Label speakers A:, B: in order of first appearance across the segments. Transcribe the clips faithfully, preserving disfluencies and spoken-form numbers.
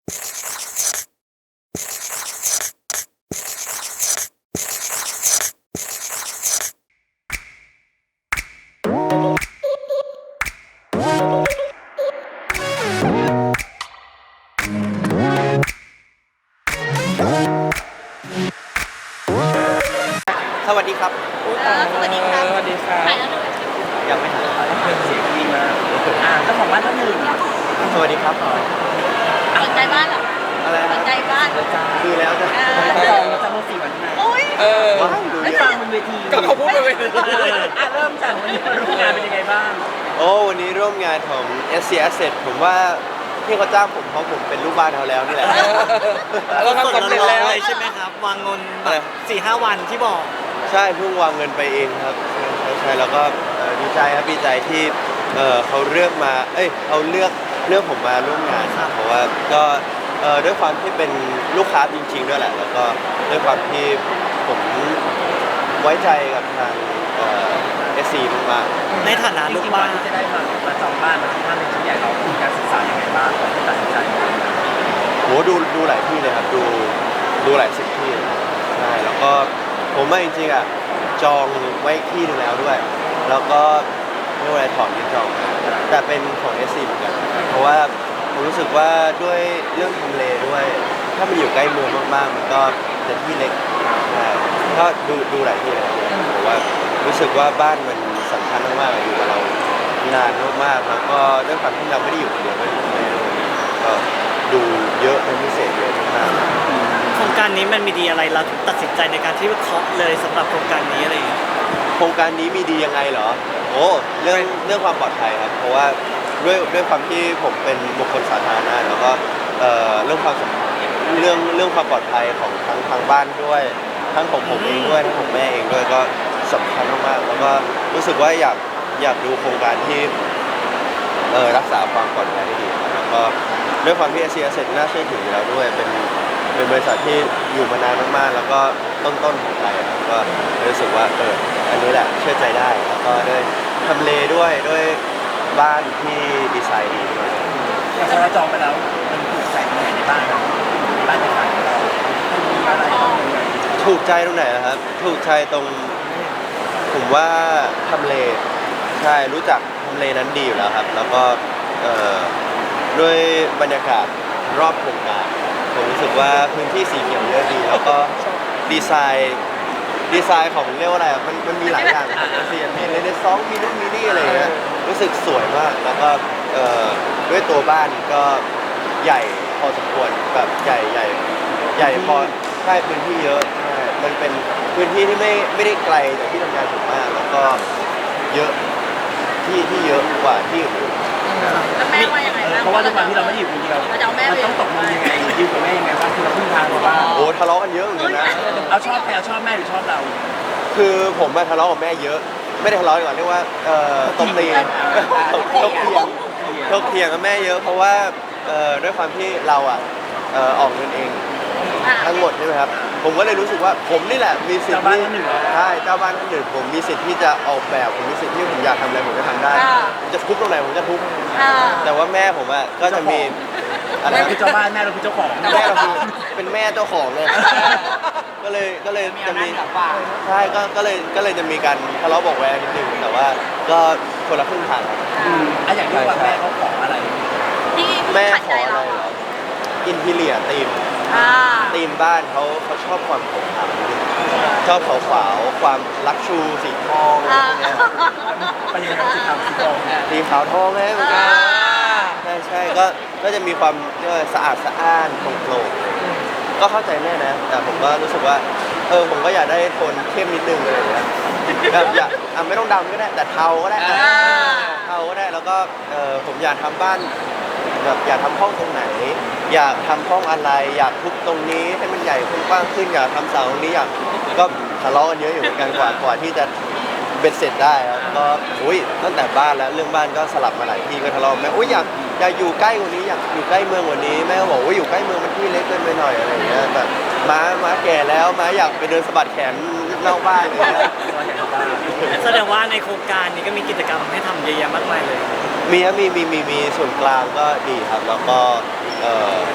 A: สวัสดีครับ
B: เออสวัสดีครับ
C: สวัสดีครับ
B: ถ่ายแล้วหนึ่ง
A: ยังไม่หาย
C: เสียงดีมากอ่าเจ้าของบ้านท่านหนึ่ง
A: สวัสดีครับ
B: สนใจบ้านเหรอ
A: อะไร
B: ส
A: ฮะ
B: นใจบ้าน
A: ดูแล้วจะ
C: จองจะมาสี่วันที่ไหน
B: โอ้ย
C: เออ
A: ว้าวดู
C: ไม่
A: เย
C: ฟั
A: อะ
C: งบนเวที
A: ก็เขาพูดบนเวที
C: อ่ะเริ่มจากวันนี้มาร่วมงานเป็นยังไงบ้าง
A: โอ้วันนี้ร่วมงานของ เอส ซี Asset ผมว่าที่เขาจ้างผมเพราะผมเป็นลูกบ้านเขาแล้วนี่แหละ
C: เราทำสำเร็จแล้ว
D: ใช่ไหมครับ วางเงินแบ
A: อะไร
D: บสี่ห้าวันที่บอก
A: ใช่เพิ่งวางเงินไปเองครับใช่ใช่แล้วก็เอ่อดีใจครับดีใจที่เอ่อเขาเลือกมาเอ้ยเขาเลือกเลือกผมมาร่วมงานครับเพราะว่าก็เอ่อด้วยความที่เป็นลูกค้าจริงๆด้วยแหละแล้วก็ด้วยความที่ผมไว้ใจกับทางเอ่อ เอส ซี มากๆ
D: ในฐานะ
C: จ
D: ลูก
C: ริงๆก่อ
D: บ้าน น
C: ที่จะได้มามาจองบ้านมาที่บ้านเป็นชิ้นใหญ่เรามีการศึกษายังไงบ้างก่อนที่ตัดสินใจ
A: โหดูดูหลายที่เลยครับดูดูหลายสิบที่เลยใช่แล้วก็ผมว่าจริงๆอ่ะจองไว้ที่หนึงแล้วด้วย แล้วก็ไม่ว่าอะไรถอนที่จองแต่เป็นของ เอส ซี เหมือนกันเพราะว่าผมรู้สึกว่าด้วยเรื่องทำเลด้วย ถ้ามันอยู่ใกล้เมืองมากๆมันก็จะที่เล็กใช่ก็ดูดูหลายที่เลยครับผมว่ารู้สึกว่าบ้านมันสำคัญมากๆอยู่กับเรานานมากๆแล้วก็ด้วยความที่เราไม่ได้อยู่คนเดียวก็อยู่กับแม่ด้วยก็ดูเยอะเป็นพิเศษเยอะมาก
D: โครงการนี้มันมีดีอะไรเราถึงตัดสินใจในการที่เคาะเลยสำหรับโครงการนี้อะไรอย่างเงี้ย
A: โครงการนี้มีดียังไงเหรอโอ้เรื่องเรื่องความปลอดภัยครับเพราะว่าด้วยด้วยความที่ผมเป็นบุคคลสาธารณะแล้วก็เอ่อเรื่องความสำเรื่องเรื่องความปลอดภัยของทั้งทางบ้านด้วย ทั้งของผมเองด้วยทั้งของแม่เองด้วยก็สำคัญมากๆแล้วก็รู้สึกว่าอยากอยากดูโครงการที่เอ่อรักษาความปลอดภัยได้ดีครับแล้วก็ด้วยความที่ เอส ซี Asset น่าเชื่อถืออยู่แล้วด้วยเป็นเป็นบริษัทที่อยู่มานานมากๆแล้วก็ต้นๆของไทยครับก็รู้สึกว่าเอออันนี้แหละเชื่อใจได้แล้วก็ด้วยทำเลด้วยด้วยบ้านที่ดีไซน์ดีด้วย
C: อย่างพอเราจองไปแล้วมันถูกใส่ตรงไหนในบ้านเราบ้านในฝันของเรามีอะไรบ้างยังไง
A: ถูกใจตรงไหนนะครับ ถูกใจตรงผมว่าทำเลใช่รู้จักทำเลนั้นดีอยู่แล้วครับ แล้วก็เอ่อด้วยบรรยากาศรอบโครงการผมรู้สึกว่าพื้นที่สีเขียวเยอะดี แล้วก็ดีไซน์ดีไซน์ของเรียกว่าอะไรอ่ะมันมันมีหลายอย่างของเซียนมีเรเนซองส์มีนู่นมีนี่อะไรอย่างเงี้ยรู้สึกสวยมากแล้วก็เอ่อด้วยตัวบ้านก็ใหญ่พอสมควรแบบใหญ่ใหญ่ใหญ่พอใช่พื้นที่เยอะใช่มันเป็นพื้นที่ที่ไม่ไม่ได้ไกลจากที่ทำงานผมมากแล้วก็เยอะที่ที่เยอะกว่าที่อื่น
B: แล้วแม่ว่ายังไงบ้าง
C: เพราะว่าด้วยความที่เราไม่ได้อยู่คนเดียว
B: เราจะเอาแม่
C: มัน
B: ไป
C: ต้องตกลงยังไงดิวกับแม่ยังไงบ้างคือเราพึ่งทางหรือว่า
A: โอ้ทะเลาะกันเยอะเหมือนกันนะ
C: เอาชอบใครเอาชอบแม่หรือชอบเรา
A: คือผมมาทะเลาะกับแม่เยอะ ไม่ได้ทะเลาะดีกว่าเรียกว่าเอ่อตบตีกันตบเถียงตบเถียงกับแม่เยอะ เพราะว่าเอ่อด้วยความที่เราอ่ะเอ่อออกเงินเอง
B: อ่ะ
A: ทั้งหมดใช่ไหมครับผมก็เลยรู้สึกว่าผมนี่แหละมีสิทธิ์
C: เจ้าบ้าน
A: ที่
C: ท่านหนึ่งเหรอ
A: ใช่เจ้าบ้านท่านหนึ่งผมมีสิทธิ์ที่จะออกแบบผมมีสิทธิ์ที่ผมอยากทำอะไรผมจะทำได้ผมจะทุบตรงไหนผมจะทุบ
B: อ่า
A: แต่ว่าแม่ผมอ่ะก็จะมีอะไร
C: แม่
A: นะ
C: คือเจ้าบ้านแม่เราคือเจ้าของ
A: แม่เราคือเป็นแม่เจ้าของเลย ก็เลยก็เลยจะมีใช่ก็ก็เลยก็เลยจะมีการทะเลาะเบอกแวงนิดนึงแต่ว่าก็คนละครึ่งทางครับ
C: อืมอ่ะอย่างที่ว่าแม่เขาขออะไร
B: ที่
A: แม่
B: ขัด
A: ข
B: ใจ
A: ออะไร
B: เรา
A: เหรออินทีเลียตีม
B: อ่า
A: ตีมบ้านเขาเขาชอบความขาวขาวนิดนึงชอบขาวขาวๆความลักชูสีทองอะไร
B: อ่า
A: พวกเนี้ย
C: ไปยังไงครับสีขาวสีทองเนี่ย
A: สีขาวทองเลยเหมือนกันใช่ใช่ก็ก็จะมีความเรียกว่าสะอาดสะอ้านโปร่งโปร่งก็เข้าใจแม่นะ แต่ผมก็รู้สึกว่าเออผมก็อยากได้โทนเข้มนิดนึงอะไรอย่างเงี้ยแบบอยากอ่ะไม่ต้องดำก็ได้แต่เทาก็ได้อ่ะ
B: อ่า
A: เทาก็ได้แล้วก็เออผมอยากทำบ้านแบบอยากทำห้องตรงไหน อยากทำห้องอะไร อยากทุบตรงนี้ให้มันใหญ่ขึ้นกว้างขึ้นอยากทำเสาตรงนี้อยากก็ทะเลาะกันเยอะอยู่เหมือนกันกว่ากว่าที่จะเบ็ดเสร็จได้ครับก็อุ้ยตั้งแต่บ้านแล้วเรื่องบ้านก็สลับมาหลายที่ก็ทะเลาะแม่อุ้ยอยากอยากอยู่ใกล้กว่านี้อยากอยู่ใกล้เมืองกว่านี้แม่ก็บอกว่าอยู่ใกล้เมืองมันที่เล็กเกินไปหน่อยอะไรอย่างเงี้ยแบบม้าม้าแก่แล้วม้าอยากไปเดินสะบัดแขนนอกบ้านอะไรอย่างเงี้ย
D: แสดงว่าในโครงการนี้ก็มีกิจกรรมให้ทำเยอะแยะมากมายเลย
A: มีครับมีมีมีมีส่วนกลางก็ดีครับ แล้วก็เอ่อด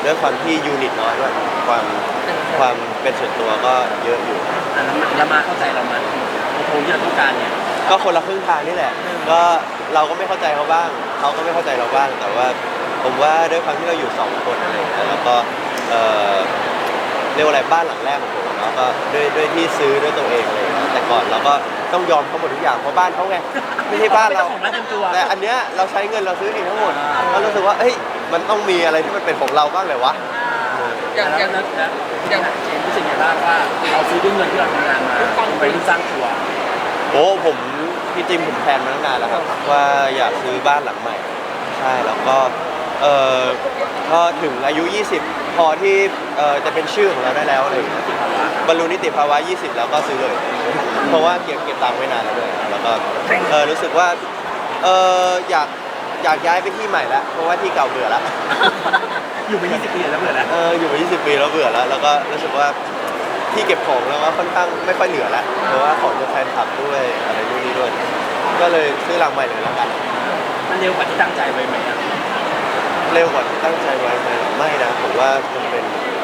A: ด้วยความที่ยูนิตน้อยด้วยความความเป็นส่วนตัวก็เยอะอยู่
C: อ่ะแล้วมาแล้วมาเข้าใจเรามาโอ้โหที่เราต้องการเนี่ย
A: ก็คนละครึ่งทางนี่แหละ ก็เราก็ไม่เข้าใจเขาบ้างเขาก็ไม่เข้าใจเราบ้าง แต่ว่าผมว่าด้วยความที่เราอยู่สองคนอะไรอย่างเงี้ยแล้วก็เอ่อเรียกว่าอะไรบ้านหลังแรกของผมเนาะก็ด้วยด้วยที่ซื้อด้วยตัวเองอะไรอย่างเลยแต่ก่อนเราก็ต้องยอมเขาหมดทุกอย่างเพราะบ้านเขาไงไม่ใช่บ้านเรา
C: ไม่ใช่ของบ้านเต็มตัว
A: แต่อันเนี้ยเราใช้เงินเราซื้อเองทั้งหมดเรารู้สึกว่าเอ้ยมันต้องมีอะไรที่มันเป็นของเราบ้างเลยวะ
C: อย่างอย่างนั้นแล้วอย่างเจมส์รู้สึกยังไงบ้างว่าเราซื้อด้วยเงินที่เราทำงานมาไปรุ่นสร้างตัว
A: โอ้ผมจริงๆผมแพลนมาตั้งนานแล้วครับว่าอยากซื้อบ้านหลังใหม่ใช่แล้วก็เออพอถึงอายุ ยี่สิบ พอที่เออจะเป็นชื่อของเราได้แล้วอะไรอย่างเงี้ยบรรลุนิติภาวะ ยี่สิบ แล้วก็ซื้อเลย เพราะว่าเก็บเก็บตังค์ไว้นานแล้วด้วยแล้วก็เออรู้สึกว่าเอออยากอยากย้ายไปที่ใหม่แล้วเพราะว่าที่เก่าเบื่อแล้ว
C: อยู่มายี่สิบปีแล้วเบื่อแล้ว
A: เอออยู่มา ยี่สิบ ปีแล้วเบื่อแล้วแล้วก็รู้สึกว่าที่เก็บของแล้วก็ค่อนข้างไม่ค่อยเหลือแล้วเพราะว่าของจะแฟนคลับด้วยอะไรนู่นนี่ด้วยก็เลยซื้อหลังใหม่เลยแล้วกัน
C: มันเร็วกว่าที่ตั้งใจไว้ไหมอ่ะ
A: เร็วกว่าที่ตั้งใจไว้ไหมไม่นะผมว่ามันเป็น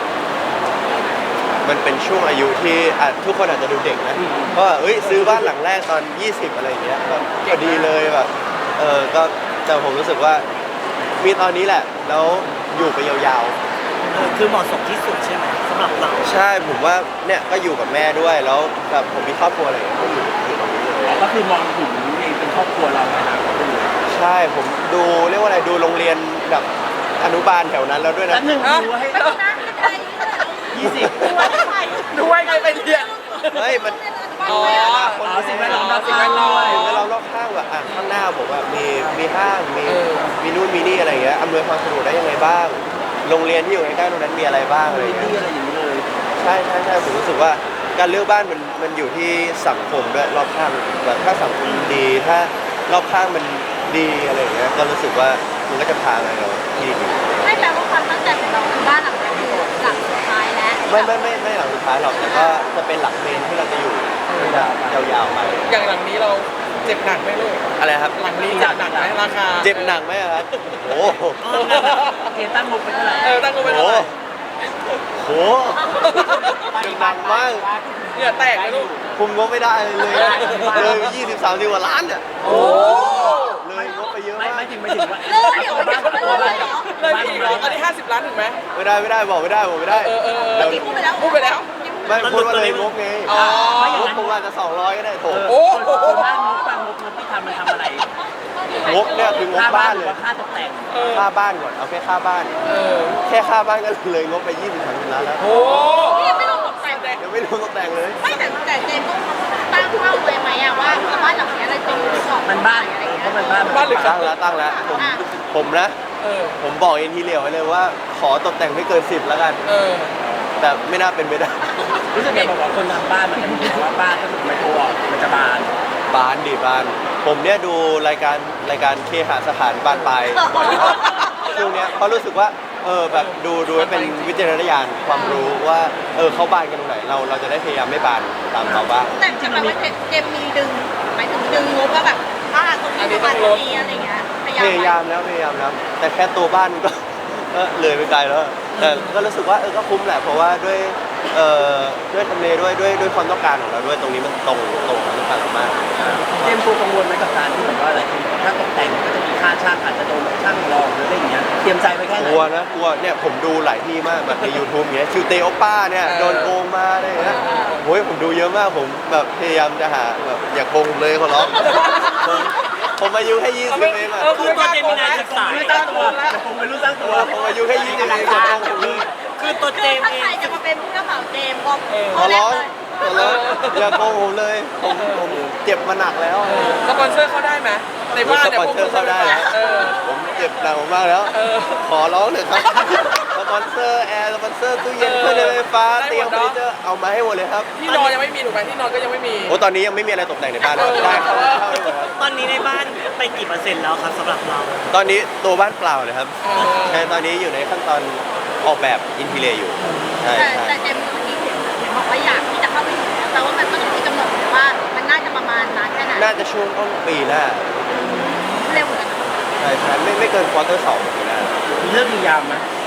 A: มันเป็นช่วงอายุที่อ่ะทุกคนอาจจะดูเด็กนะเพราะว่าเอ้ยซื้อบ้านหลังแรกตอน ยี่สิบ อะไรอย่างเงี้ยก็พอดีเลยแบบเออก็แต่ผมรู้สึกว่ามีตอนนี้แหละแล้วอยู่ไปยาวๆ
D: เออคือเหมาะสมที่สุดใช่ไหมสำหรับเรา
A: ใช่ผมว่าเนี่ยก็อยู่กับแม่ด้วยแล้วแบบผมมีครอบครัวอะไรอย่างเงี้ยก็อยู่อยู่ตรงนี้เลย
C: อ๋อก็คือมองถึงเองเป็นครอบครัวเราในอนาคตเลย
A: ใช่ผมดูเรียกว่าอะไรดูโรงเรียนแบบอนุบาลแถวนั้นแล้วด้วยนะ
C: แล้วหนึ่งดูให้
B: ไม่ต้องนะไม่ได้
C: ยี่สิบ
B: ด้วยใคร
C: ด้วยใครไปเรียน
A: เฮ้ยมัน
B: อ๋อ
C: อ๋อสิ่งแวดล้อมรอบ
A: สิ่ง
C: ข้าง
A: แวดล้อม
C: ด้วย
A: สิ่งแวดล้อมรอบข้างแบบอ่ะข้างหน้าผมว่ามีมีห้างมีมีนู่นมีนี่อะไรอย่างเงี้ยอำนวยความสะดวกได้ยังไงบ้าง โรงเรียนที่อยู่ใกล้ๆตรงนั้นมีอะไรบ้างอะไรอย่างเงี้ย
C: ที่อะไรอย่างนี้เลย
A: ใช่ใช่ใช่ผมรู้สึกว่าการเลือกบ้านมันมันอยู่ที่สังคมด้วยรอบข้างแบบถ้าสังคมดี ถ้ารอบข้างมันดีอะไรอย่างเงี้ยก็รู้สึกว่ามันก็จะพาไปเราที่ดี
B: ไม่แปลว่าความตั้งใจของเราคือบ้านหลังนี้คือหลังสุดท้ายแล้ว
A: ไม่ไม่ไม่ไม่หลังสุดท้ายหรอกแต่ก็จะเป็นหลังเมนที่เราจะอยู่ยาวๆไป
E: อย่างหลังนี้เราเจ็บหนักไหมลูก
A: อะไรครับ
E: หลังนี้เจ็บหนักไหมราคา
A: เจ็บหนักไหมอะครับโอ้โห
C: เกณฑ์ตั้งงบไปเท่าไหร่
E: เออตั้งกูไป
A: โอ้
E: เท่าไหร่
A: โหเจ็บหนักมาก
E: เหงื่อแตกไหมลูก
A: คุมงบไม่ได้เลยเลยไปยี่สิบสามสิบกว่าล้านเนี่ย
E: โอ้
A: เลยงบไปเยอะ
C: ไม่
A: มาก
C: ไม่ถึงไม่ถึงว่า
B: เลิกเดี๋ยว
C: บ้าน
B: เลิ
C: ตัว
B: ก
C: บ้าน
B: เหรอ
E: เลยไปอีกเหรออันนี้ห้าสิบล้านถึงไหม
A: ไม่ได้ไม่ได้บอกไม่ได้บอกไม่ได้
E: เออเออเออ
A: เดี๋ยว
B: พูดไปแล้ว
E: พูดไปแล้ว
A: ไม่พูดว่าเลยงบไง
E: อ๋อ
A: งบผมอาจจะสองร้อยก็ได้โถ
E: โอ้
C: ส่วนมากงบบ้านงบเงินที่ทำมันทำอะไร
A: งบเนี่ยคืองบ
C: ค่าบ้า
A: บ้าน น
C: ห
A: เล
C: รือย ว่าค่าตกแต่ง
E: เออ
A: ค่าบ้านก่อนเอาแค่ค่าบ้าน
E: เออ
A: แค่ค่าบ้านก็เลยงบไปยี่สิบสามสิบล้านแล้ว
E: โอ้
B: พี่ยังไม่ลงตกใจเลย
A: ยังไม่รวมตกแต่งเลย
B: ไม่แต่แต่เจมส์ต้องตั้งเป้าไว้ไหมอะว่าบ้านหลังนี้เราจะอยู่ไปก่อน
C: มันบ้าน
B: อะไรอย่างเงี้
C: ก็
B: ย
C: มันบ้าน
E: บ้านหรือ
A: ตั้งแล้วตั้งแล้วผมผมนะ
E: เออ
A: ผมบอกเอ็นทีเลียวไว้เลยว่าขอตกแต่งไม่เกินสิบแล้วกัน
E: เออ
A: แต่ไม่น่าเป็นไปได้
C: รู้สึกไงบอกว่าคนทำบ้านมันจะมีว่าบ้านก็คือไม่โตอ่ะมันจะบาน
A: บานดิบาน ผมเนี่ยดูรายการรายการเคหสถานบานปลายช่วงเนี้ยเพราะรู้สึกว่าเออแบบดูดูให้เป็นวิจารณญาณความรู้ว่าเออเขาบานกันตรงไหนเราเราจะได้พยายามไม่บานตามเขาบ้าง
B: แต่จะแปลว่าเจมส์มีดึงหมายถึงดึงงบว่าแบบอ่าตรงนี้ประมาณนี้อะไรเงี้ยพยายาม
A: พยายามแล้วพยายามแล้วแต่แค่ตัวบ้านก็ ก็เลยไปไกลแล้วแต่ก็รู้สึกว่าเออก็คุ้มแหละเพราะว่าด้วยเอ่อด้วยทำเลด้วยด้วยด้วยความต้องการของเราด้วยตรงนี้มันตรงตรงกับต้องการเรามาก
C: เตรียมตัวกังวลไหมกับการที่แบบว่าอะไรคือถ้าตกแต่งก็จะมีค่าช่างอาจจะโดนช่างรองหรืออะไรอย่างเงี้ยเตรียมใจไว้แค่ไห
A: ก
C: น
A: ลัวนะกลัวเนี่ยผมดูหลายที่มากแบบใน YouTube เงี้ยคิวเตโอป้าเนี่ยโดนโกงมาอะไรอย่างเงี้ยโอ้ยผมดูเยอะมากผมแบบพยายามจะหาแบบอย่าโกงผมเลยขอร้องผมผมอายุแค่ยี่สิบเองอะ
E: เออคือตัวเจมินายศึกษา
C: ไม่ตั้งตัวแต่คงเป็นรุ่นสร้างตัว
A: ผมอายุแค่ยี่สิบเองอย่าโกงผมเลย
D: คือตัวเจ
B: คือ
D: ม
B: ถ้า
D: ส์เอ
B: ใครง จะมาเป็นผู้รับเหมาเจมส์บอก
A: ขอ
B: เขาแร
A: ร้
B: ก
A: อง
B: เลย
A: ขอร้องอย่าโกงผมเลยผมผมเจ็บมาหนักแล้ว
E: สปอนเซอร์เข้าได้ไหมในบ้าน
A: ส
E: เนี่ย
A: ปอนเซอร์เข้าได้นะ
E: เออ
A: ผมเจ็บหนักมากแล้ว
E: เออ
A: ขอร้องเถอะครับ สปอนเซอร์แอร์ สปอนเซอร์ตู้เย็น
E: เออ
A: เครื่องใช้ไฟฟ้า
E: ได้
A: เตี
E: ห
A: ย
E: ม
A: ง
E: ด
A: เฟอ
E: เนอะ
A: ร์นิเจอร์เอามาให้หมดเลยครับ
E: ที่นอนยังไม่มีถูกไหมที่นอนก็ยังไม่มี
A: โอ้ตอนนี้ยังไม่มีอะไรตกแต่งในบ้านเลย
E: เออ
A: ได้เข้าเข้าได้เลยครับ
D: ตอนนี้ในบ้านไปกี่เปอร์เซ็นต์แล้วครับสำหรับเรา
A: ตอนนี้ตัวบ้านเปล่าเลยครับ
E: เออ
A: ใช่ตอนนี้อยู่ในขั้นตอนออกแบบอินทีเรียอยู่ ใช่
B: แต่
A: ใช่
B: แต่เจมส์เมื่อกี้เห็นบอกว่าอยากที่จะเข้าไปถึงแต่ว่ามันก็ต้องมีกำหนดเลยว่ามันน่าจะประมาณนั้นแค่ไหน
A: น่าจะช่วงต้นปีหน้า
B: เร็วเหมือนกัน
A: ใช่ใช่ไม่ไม่เกินควอเตอร์สองปีหน้า
C: มีเรื่องมียามไหม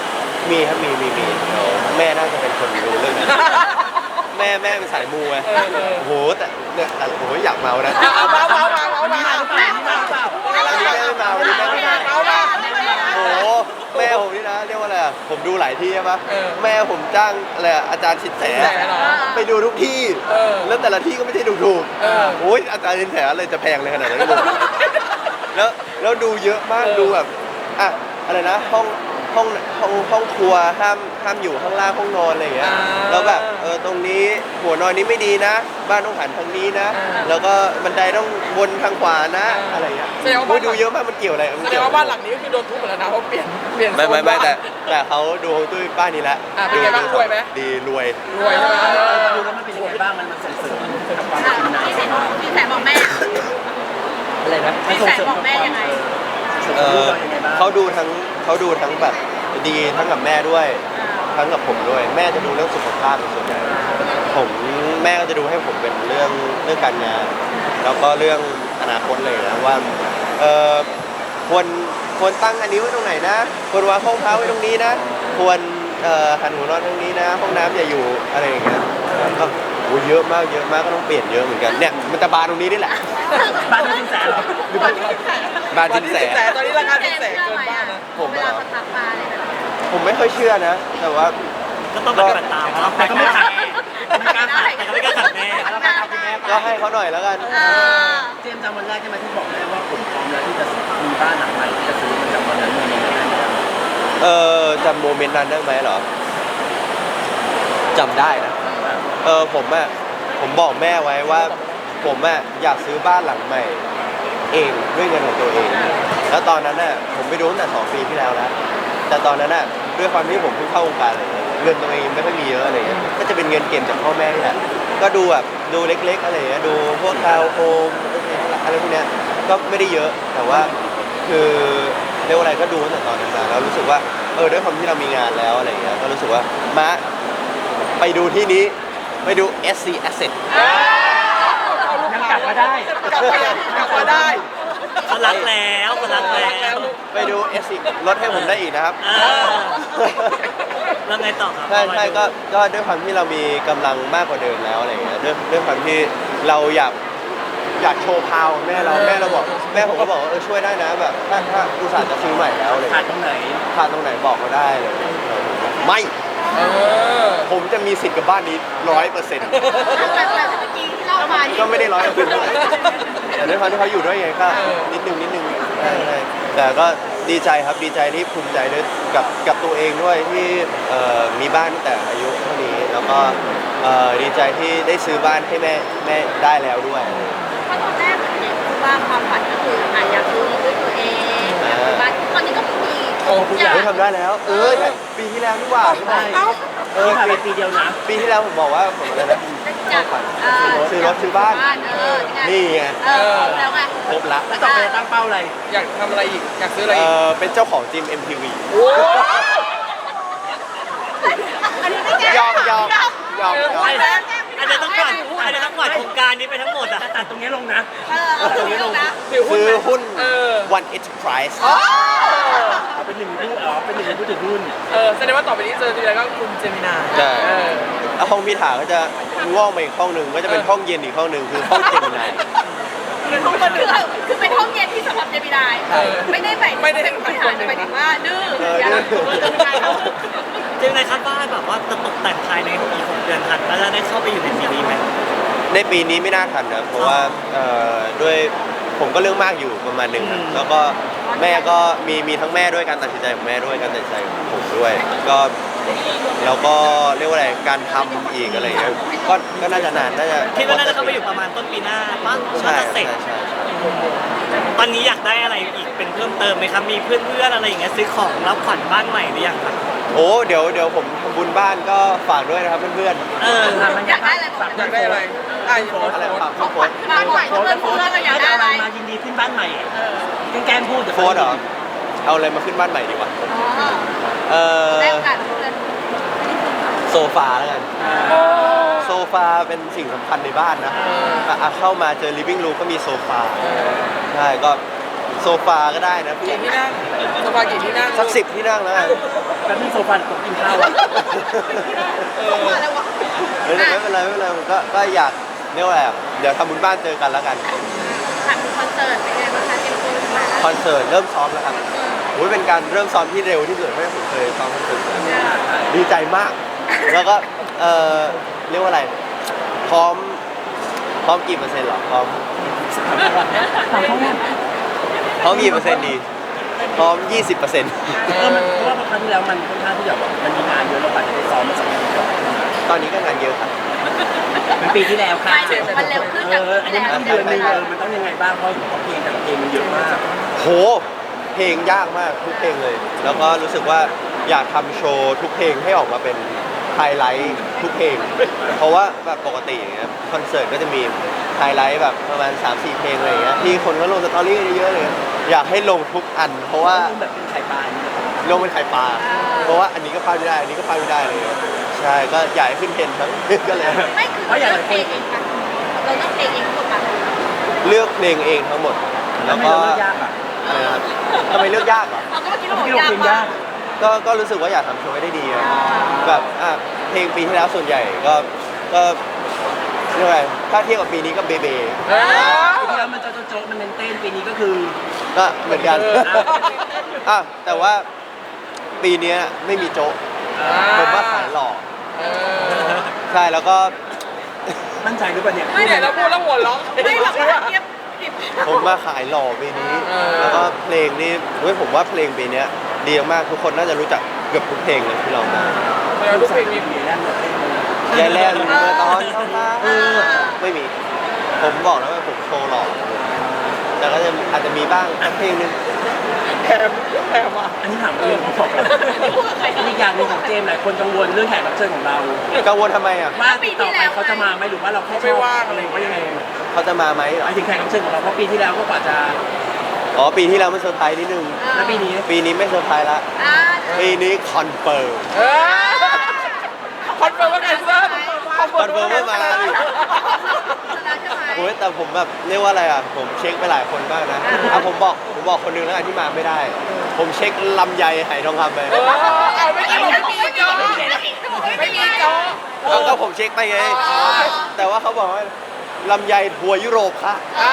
A: มีครับมีมีมีเดี๋ยวแม่น่าจะเป็นคนรู้เรื่องนี้แม่แม่เป็นสายมูไง
E: เออเออ
A: โอ้โหแต่เนี่ยแต่โอ้โหอยากเมานะ
E: เอาเมาเมาเมาเมา
C: มี
E: เมา
C: มาเปล่ามีมาเปล่า
A: วันนี้แม่ไม่เมาวันนี้แม่ไม่เมา
E: เมาเมา
A: โอ้โหแม่ผมนี่นะเรียกว่าอะไรอะผมดูหลายที่ใช่ปะ
E: เออ
A: แม่ผมจ้างอะไรอะอาจารย์ชิดแส
E: ชิดแสเหรอ
A: ไปดูทุกที่
E: เออ
A: แล้วแต่ละที่ก็ไม่ใช่ถูก
E: เออ
A: ๆโอ้ยอาจารย์ชิดแสอะไรจะแพงเลยขนาดนั้นไม่รู้แล้วแล้วดูเยอะมาก
E: เออ
A: ดูแบบอะอะไรนะห้องห้องห้องห้องครัวห้ามห้ามอยู่ข้างล่างห้องนอนอะไรอย่างเงี้ยแล้วแบบเออตรงนี้หัวนอนนี้ไม่ดีนะ บ้านต้องหันทางนี้นะ แล้วก็บันไดต้องวนทางขวานะอะไรอย่างเงี้ย
E: แสดงว่า
A: โอ้
E: บ้าย น
A: ดูเยอะมากมันเกี่ยวอะไรมั
E: แสด
A: เกี่
E: ง
A: ยว
E: ว่าบ้านหลังนี้ก็คือโดนทุบหมดแล้วนะเพราะเปลี่ยนเปลี่ยน
A: ไม่ไม่ไม่
E: โซน
A: แต่
E: บ้าน
A: แต่เขาดูฮวงจุ้ยบ้านนี้แล้ว
E: อ่ะเป็นไงบ้างรวยไหม
A: ดีรวย
E: รวยใช่ไหม
C: ดูแล้วมันเป็นยังไงบ้างมันมันส่งเสริมกับความเป็นนาย
B: พี่แสนพี่แสนบอกแม่
C: อะไรนะ
B: พี่แสนบอกแม่ยังไง
A: เออ
C: ยังไงบ้าง
A: เขาดูทั้งเขาดูทั้งแบบดีทั้งกับแม่ด้วย ทั้งกับผมด้วย แม่จะดูเรื่องสุขภาพเป็นส่วนใหญ่ผมแม่ก็จะดูให้ผมเป็นเรื่องเรื่องการงาน แล้วก็เรื่องอนาคตเลยนะว่าเออควรควรตั้งอันนี้ไว้ตรงไหนนะควรวางห้องพักไว้ตรงนี้นะ ควรเอ่อหันหัวนอนตรงนี้นะ ห้องน้ำอย่าอยู่อะไรอย่างเงี้ยก็โอ้เยอะมากเยอะมากก็ต้องเปลี่ยนเยอะเหมือนกันเนี่ยมันจะบานตรงนี้นี่แหละ
C: บ้านไม่เป็นแสนหรอหรือบ้าน
A: บาน
E: ตอน
A: จิน
E: นี้
A: แส
E: สิบแสนตอนนี้ราคาสิบแสนเกินบ้านนะ
A: ผมเหรอ
B: เวลาเขาทักมาอะไรแบบนี้
A: ผมไม่ค่อยเชื่อนะ แต่ว่า
D: ก็ต้องปฏิบัติตามครับ
C: แต่ก็ไม่ขาดไม่กล้าขาด
D: แต่ก็ไม่กล้าขัดแม่
C: แล้วไปเอาคุณแม่ไป
A: ก็ให้เขาหน่อยแล้วกัน
B: เออ
C: เจมส์จำวันแรกใช่ไหมที่บอกแม่ว่าผมพร้อมแล้วที่จะมีบ้านหลังใหม่ที่จะซื้อมันจากวันนั้นมันยังไงได้ไหม
A: เออจำโมเมนต์นั้นได้ไหมเหรอจำได้นะเออผมอะผมบอกแม่ไว้ว่า ผมอะอยากซื้อบ้านหลังใหม่ เองด้วยเงินของตัวเอง แล้วตอนนั้นน่ะผมไปดูตั้งแต่สองปีที่แล้วแล้วแต่ตอนนั้นน่ะด้วยความที่ผมเพิ่งเข้าวงการอะไรเงี้ยเงินตัวเองไม่ค่อยมีเยอะอะไรเงี้ยก็จะเป็นเงินเก็บจากพ่อแม่นี่แหละก็ดูแบบดูเล็กๆอะไรเงี้ยดูพวกทาวน์โฮมอะไรพวกเนี้ยก็ไม่ได้เยอะแต่ว่าคือเรียกว่าอะไรก็ดูตั้งแต่ตอนนั้นมาแล้วรู้สึกว่าเออด้วยความที่เรามีงานแล้วอะไรเงี้ยก็รู้สึกว่ามาไปดูที่นี้ไปดู เอส ซี Asset
C: ยังกลับมาได้
E: กลับมาได้กลับมาได้
D: เขารักแล้วเขารักแล้ว
A: ไปดู เอส ซี ลดให้ผมได้อีกนะครับ
D: เออแล้วไงต่อครับ
A: ใช่ใช่ก็ก็ด้วยความที่เรามีกำลังมากกว่าเดิมแล้วอะไรเงี้ยด้วยด้วยความที่เราอยากอยากโชว์พาวแม่เราแม่เราบอกแม่ผมก็บอกว่าเออช่วยได้นะแบบถ้าถ้าอุตส่าห์จะซื้อใหม่แล้วอะไร
C: ขาด
A: เงี้ย
C: ตรงไหน
A: ขาดตรงไหนบอกเขาได้เลยไม่
E: เออ
A: ผมจะมีสิทธิ์กับบ้านนี้ร้อยเปอร์เซ็นต์
B: แต่แต่เมื่อกี้ที่เล่ามานี่
A: ก็ไม่ได้ร้อยเปอร์เซ็นต์แต่ด้วยความที่เขาอยู่ด้วยไงก็นิดนึงนิดนึงใช่ใช่แต่ก็ดีใจครับดีใจที่ภูมิใจด้วยกับกับตัวเองด้วยที่เอ่อมีบ้านตั้งแต่อายุเท่านี้แล้วก็เอ่อดีใจที่ได้ซื้อบ้านให้แม่แม่ได้แล้วด้วย
B: เพราะตอนแรกเหมือนเด็กคือว่าความฝันก็คืออ่ะอยากซื้อรถด้วยตัวเองอยากซื้อบ้านตอนนี้ก็มี
E: โอ้ทุกอย่าง
A: เฮ้ยทำได้แล้ว เออใช่ปีที่แล้วนี่หว่า
C: ได้
A: เออ
C: ที่ผ่านไป
A: ปี
C: ปีเดียวนะ
A: ปีที่แล้วผมบอกว่าผมอะไรนะ
B: จาก
A: ฝัน
B: เอ่อ
A: ซื้อรถซื้อบ้าน
B: เออ
A: นี่ไง
B: เออแล้วไง
A: ครบละ
C: แล้วต่อไปจะตั้งเป้าอะไร
E: อยากทำอะไรอีก อยากซื้ออะไร
A: เอ
E: อีก
A: อเป็นเจ้าของจิม เอ็ม ที วี
B: อันนี้ไม่แก้
A: ยอมยอมยอมยอม
D: อันนี้ต้องกวาดอันนี้ต้องกวาดโครงการนี้ไปทั้งหมดอ่ะ
C: ตัดตรงนี้ลงนะ
B: เออเอาตรงนี้ลงนะ
E: ถือหุ้น
A: ซื้อ
E: ไหม
A: หุ้น
E: เออ
A: One Enterprise
C: เอาเป็นหนึ่งผู้อ๋อเป็นหนึ่งผู้ถือหุ้น
E: เออแสดงว่าต่อไปนี้เจอทีไรก็คุณเจมินา
A: ใช่
E: เออ
A: แล้วห้องพิธาก็จะงอกมาอีกห้องหนึ่งก็จะเป็นห้องเย็นอีกห้องหนึ่งคือห้องเจมินาย
B: คือคือเป็นห้องเย็นที่สำหรับเจมินาย
E: เออ
B: ไม่ได้แบบ
E: ไม่ได้
B: ไม่ถามหมายถึงว่าดื้อ
A: เออ
B: อย่า
A: ดื้อ
B: เจมินายเขา
D: เจมินายคาดว่าแบบว่าจะตกแต่งภายในอีกหกเดือนทันแล้วจะได้เข้าไปอยู่ในปีนี้ไหม
A: ในปีนี้ไม่น่าทันนะเพราะว่าเอ่อด้วยผมก็เรื่องมากอยู่ประมาณหนึ่งครับ
D: อืม
A: แล้วก็แม่ก็มีมีทั้งแม่ด้วยการตัดสินใจของแม่ด้วยการตัดสินใจของผมด้วย ก็แล้วก็เรียกว่าอะไรการทำอีกอะไรอย่างเงี้ยก็ก็น่าจะนานน่าจะ
D: คิดว่าน่าจะเข้าไปอยู่ประมาณต้นปีหน้าป่ะ
A: ใช่
D: น่าจะเสร็
A: ใช่
D: จ
A: ใช่ใช่
D: ตอนนี้อยากได้อะไรอีกเป็นเพิ่มเติมไหมครับ มีเพื่อนๆอะไรอย่างเงี้ยซื้อของรับขวัญบ้านใหม่หรือยังครับ
A: โอ้เดี๋ยวเดี๋ยวผมทำบุญบ้านก็ฝากด้วยนะครับเพื่อน
D: เออ
B: อยากได้อะไรบอก
E: อยากได้อะไรอ่ะ
A: ๆอะไรฝาก
B: ขอ
A: พี่
B: ง
A: โฟ
B: ขวัญ
A: น
B: บ้านใหม่เพื่อนเพื่อนเราอยากได้อะไร
C: มายินดีขึ้นบ้านใหม่แกล้งพูด
A: โฟนเหรอเอาอะไรมาขึ้นบ้านใหม่ดีวะ
B: อ๋อ
A: เออ
B: ได้โอกาสเพื่อน
A: โซฟาแล้วกันโซฟาเป็นสิ่งสำคัญในบ้านนะอ่ะอ่ะเข้ามาเจอ living room ก็มีโซฟาใช่ก็โซฟาก็ได้นะพี่
E: กี่ที่นั่งโซฟากี่ที่นั่ง
A: สักสิบที่นั่งแล้วกัน
C: แล้วนี่โซฟาตกกินข้าวอะ
B: เข้ามาแล้ววะ
A: ไม่เป็นไรไม่เป็นไรไม่เป็นไรก็ก็อยากเรียกว่าอะไรอะเดี๋ยวทำบุญบ้านเจอกันแล้วกัน
B: ถามถึงคอนเสิร์ตเป็นไงบ้างคะเตรียมตัวถึงมาแล้ว
A: คอนเสิร์ตเริ่มซ้อมแล้วครับโอ้ยเป็นการเริ่มซ้อมที่เร็วที่สุดเท่าที่ผมเคยซ้อมคอนเสิร์ตมาดีใจมาก แล้วก็เออเรียกว่าอะไร พร้อม พร้อมกี่เปอร์เซ็นต์เหรอ พร้อม พร้อมกี่เปอร์เซ็นต์ดี พร้อม ยี่สิบเปอร์เซ็นต์
C: เออมันเพราะว่าครั้งที่แล้วมันค่อนข้างที่จะแบบมันมีงานเยอะเราอาจจะไปซ้อมมาสองปีก่อน
A: ตอนนี้ก็งานเยอะครับ
C: เป็นปีที่แล้วค่ะ
B: ไปถึงมันเร็วขึ้น
C: เอ
B: จาก
C: ออันนี้มันต้องเดือนหนึงเออมันต้องยังไงบ้างเพราะเห็นว่าเพลงแต่ละเพลงมันเยอะมาก
A: โห เพลงยากมากทุกเพลงเลย แล้วก็รู้สึกว่าอยากทำโชว์ทุกเพลงให้ออกมาเป็นไฮไลท์ทุกเพลง เพราะว่าแบบปกติอย่างเงี้ยคอนเสิร์ตก็จะมีไฮไลท์แบบประมาณ สามสี่ เพลงอะไรอย่างเงี้ยที่คนก็ลงสตอรี่กันเยอะๆเลย อยากให้ลงทุกอัน เพราะว่า
C: แบบเป็นไข่ปลาอย่างเงี้ย
A: ลงเป็นไข่ปลา เพราะว่าอันนี้ก็พลาดไม่ได้ อันนี้ก็พลาดไม่ได้เลย ใช่ ก็อยากให้ขึ้นเทรนด์ทั้ง ก็เลย
B: ไม่คือเราเลือกเพลงเองค่ะเราเลือกเพลงเองทั้งหมดค่ะ
A: เลือกเพลงเองทั้งหมด
C: แล้
A: แล้ว ว
C: ไม่
A: ก็
C: เราเลือกยากอ่ะ
A: อะไรนะครับทำไมเลือกยากเหรอ
B: เราก็เมื่อกี้เราบอก
C: ที่เรา
B: ยาก
C: เพลง
B: มาย
C: าก ก
A: ก็ก็รู้สึกว่าอยากทำโชว์ให้ได้ดีอะแบบอ่ะเพลงปีที่แล้วส่วนใหญ่ก็ก็เรียกว่าอะไรถ้าเทียบกับปีนี้ก็เบเบ
E: เออ
C: ปีที่แล้วมันโจ๊ะโจ๊ะมันเน้นเต้นปีนี้ก็คือ
A: ก็เหมือนกัน
E: เออ
A: อ่ะแต่ว่าปีเนี้ยไม่มีโจ๊กผมว่าขายหล่อ
E: เออ
A: ใช่แล้วก็
C: มั่นใจหรือเปล่าเนี่ย
E: ไม่เนี่ยเราพูดแล้วหัวเราะ
B: ไม่แบบว่าเทียบสิบ
A: ผมมาขายหล่อปีนี้
E: เออ
A: แล้วก็เพลงนี่เฮ้ยผมว่าเพลงปีเนี้ยดีมากทุกคนน่าจะรู้จักเกือบทุกเพลงเลยที่เรามา
E: แสดงว่าทุกเพลงมี
C: มีแน่นเลย
A: ยายแล่นเมื่อตอนเข้ามาไม่มี ผมบอกแล้วว่าผมโชว์หล่อแต่ก็จะอาจจะมีบ้างสักเพลงหนึง
E: แถมแถมอ่ะ
C: อันนี้ถามเรื่องของผมอีกอย่างหนึ่งของเจมส์หลายคนกังวลเรื่องแขกรับเชิญของเรา
A: กังวลทำไมอ่ะ
C: ว่าติดต่อไปเขาจะมาไหมหรือว่าเราแค่ชอบอะไรว่ายังไง
A: เขาจะมาไหมเหร
C: ห
A: อ
C: มายถึงแขกรับเชิญของเราเพราะปีที่แล้วก็กว่าจะ
A: อ๋อปีที่แล้วมันเซอร์ไพรส์นิดนึง
C: แล้วปีนี้
A: ปีนี้ไม่เซอร์ไพรส์ละ
B: อ่า
A: ปีนี้คอนเฟิร์ม
E: เออคอนเฟิร์มว่าแคนเซิล
A: คอนเฟิร์มว่ามาดิ
B: แล้วใช่ไหม
A: โอ้ยแต่ผมแบบเรียกว่าอะไรอ่ะ ผมเช็คไปหลายคนมากนะอ่ะผมบอกผมบอกคนนึงแล้วกันที่มาไม่ได้ ผมเช็คลำไยไหทองคำไป
E: เออเอาไม่ได้บอกไม่มีจอไม่มีจอ
A: เอาก็ผมเช็คไปไง
E: อ๋อ
A: แต่ว่าเขาบอกว่าลำไยทัวร์ยุโรปค่ะ
E: อ่าง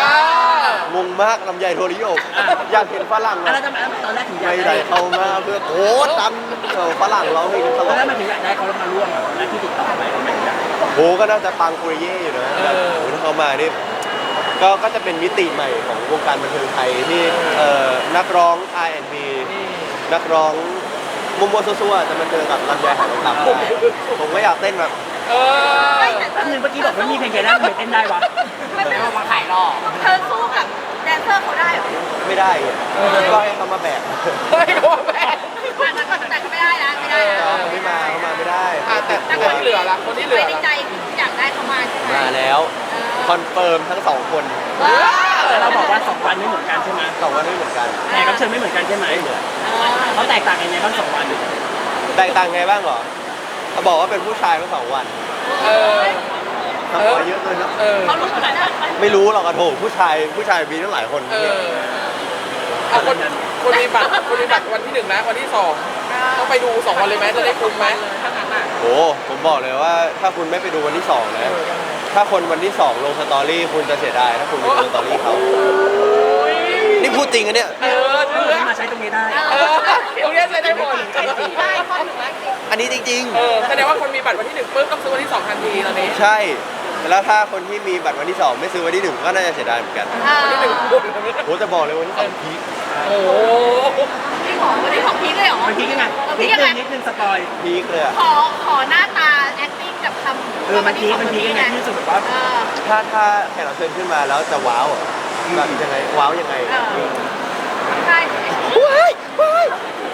A: งมากลำไยทัวร์ยุโรปอยากเห็นฝรั่ง
C: อะ
A: อะ
C: ไรทำไมตอนแรกถึงอยาก
A: ไม่
C: ได้
A: ได้เข้ามาเพื่อโอ้ตันเออฝรั่งร้องเพลงต
C: ต
A: ล
C: อน
A: อ
C: แร
A: ด
C: กมันถึงอยากได้เขาแล้วมาร่วมอ่ะตอนแรกที่ติดต่อไปทำไมถึงอยาก
A: โอ้ก็น่าจะปังปุริเย่อยู่นะแบบโอ้ถ้าเขามานี่ก็ก็จะเป็นมิติใหม่ของวงการบันเทิงไทยที่เอ่อนักร้อง อาร์ แอนด์ บี นักร้องมุมมัวซัวๆจะมาเจอกับลำไยหายทองคำได้ผมก็อยากเต้นแบบ
E: เออ
B: ไม่แต่
C: แป๊บนึงเมื่อกี้บอกไม่มีเพลงแกแล้วทำไมเต้นได้วะ
B: มันเป็นมาขายรอเธอสู้กับแดนเซอร์เขาได้เหรอ
A: ไม่ได้อะก็ให้เขามาแบก
E: เฮ้ยโอ้แม่
B: แต่ก็ไม่ได้นะไม่ได้นะ
A: เขาไม่มาเขามาไม่ได้
E: อ่ะแต่แต่คนที่เหลือล่ะคนที่เหลื
B: ไป
E: อ
B: ใน
E: ล่ะ
B: ใจอยากได้เขามาใช่ไหม
A: มาแล้วคอนเฟิร์มทั้งสองคน
C: แต่เราบอกว่าสองวันไม่เหมือนกันใช่ไหม
A: สองวันไม่เหมือนกัน
C: แขกรับเชิญไม่เหมือนกันใช่ไหมเขาแตกต่างกันยังไงบ้างสองวัน
A: แตกต่างไงบ้างเหรอเขาบอกว่าเป็นผู้ชายทั้งสองวัน
E: เออ
A: ทำมาเยอะเลยนะ
E: เออ
B: เขารู้ขนาดนั้น
A: ไม่รู้หรอกอะโถผู้ชายผู้ชายมีตั้งหลายคน
E: เออเอาคนคนมีบัตรคนมีบัตรวันที่หนึ่งนะวันที่สองต้องไปดูสองวันเลยไหมจะได้คุ้มไหม
A: โอ้ผมบอกเลยว่าถ้าคุณไม่ไปดูวันที่สองนะ ถ้าคนวันที่สองลงสตอรี่คุณจะเสียดายถ้าคุณไปดูสตอรี่เขานี่พูดจริงอะเนี่ย
E: เออเออ
C: มาใช้ตรงนี้ได้
E: เออตรงเนี้ยใช้ได้หมด
B: ได้ข้อหนึ่งแล้วจริง
A: อันนี้จริง
E: เออแสดงว่าคนมีบัตรวันที่หนึ่งปุ๊บต้องซื้อวันที่สองทันทีตอนนี้
A: ๆ ใช่ แล้วถ้าคนที่มีบัตรวันที่สองไม่ซื้อวันที่หนึ่งก็น่าจะเสียดายเหมือนกัน
E: วันที่หนึ่งปุ๊บ
A: โหจะบอกเลยวันที่สองพีค
E: โอ้โห
B: พี่ของวันนี้ของพีคเลยเหรอ
C: มันพีกยังไง
B: ของ
C: นิ
B: พี
C: ด
B: คยัง
C: นึ
B: ไง
C: งนิดนึงสปอย
A: พีคเลยอะ
B: ขอขอหน้าตา acting กับคำ
C: เออมันพีกมันพีกยังไงที่รู้สึกแบบว่า
B: เออ
A: ถ้าถ้าแขกรับเชิญขึ้นมาแล้วจะว้าวอะแบบยังไงว้าวยังไง
B: เออ ใช่
A: ว้ายว้าย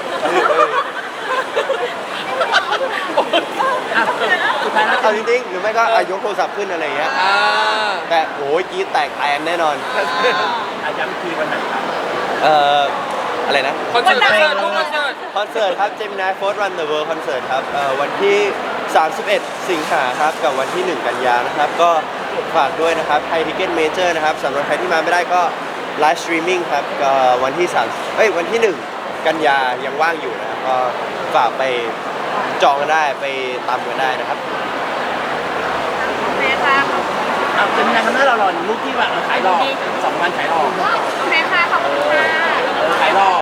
C: อ่ะสุดท้ายแล้ว
A: เอาจริงๆหรือไม่ก็อายกโทรศัพท์ขึ้นอะไรอย่างเงี้ย
E: อ่า
A: แต่โอ้ยกรีดแตกแตนแน่นอน
C: อาย้ำอีกทีวันไหนครับ
A: เอ่ออะไรนะ
E: คอนเสิร์ตคอนเสิร์ตทุกคอนเสิร์ต
A: คอนเสิร์ตครับ Gemini Force Run the World Concert ครับเอ่อวันที่ สามสิบเอ็ด สิงหาครับ กับวันที่ หนึ่ง กันยานะครับ ก็ฝากด้วยนะครับไทยทิเก็ตเมเจอร์นะครับสำหรับใครที่มาไม่ได้ก็ไลฟ์สตรีมมิ่งครับก็วันที่สามเอ้ยวันที่หนึ่งกันยายังว่างอยู่นะครับก็ฝากไปจองกันได้ไปตามกันได้นะครับ
B: เมค่ะ
C: เอาเป็นยังไงครับหน้าเราหล่อรูปที่ว่าเออขายหล่อสองวันขายหล่อ
B: ก็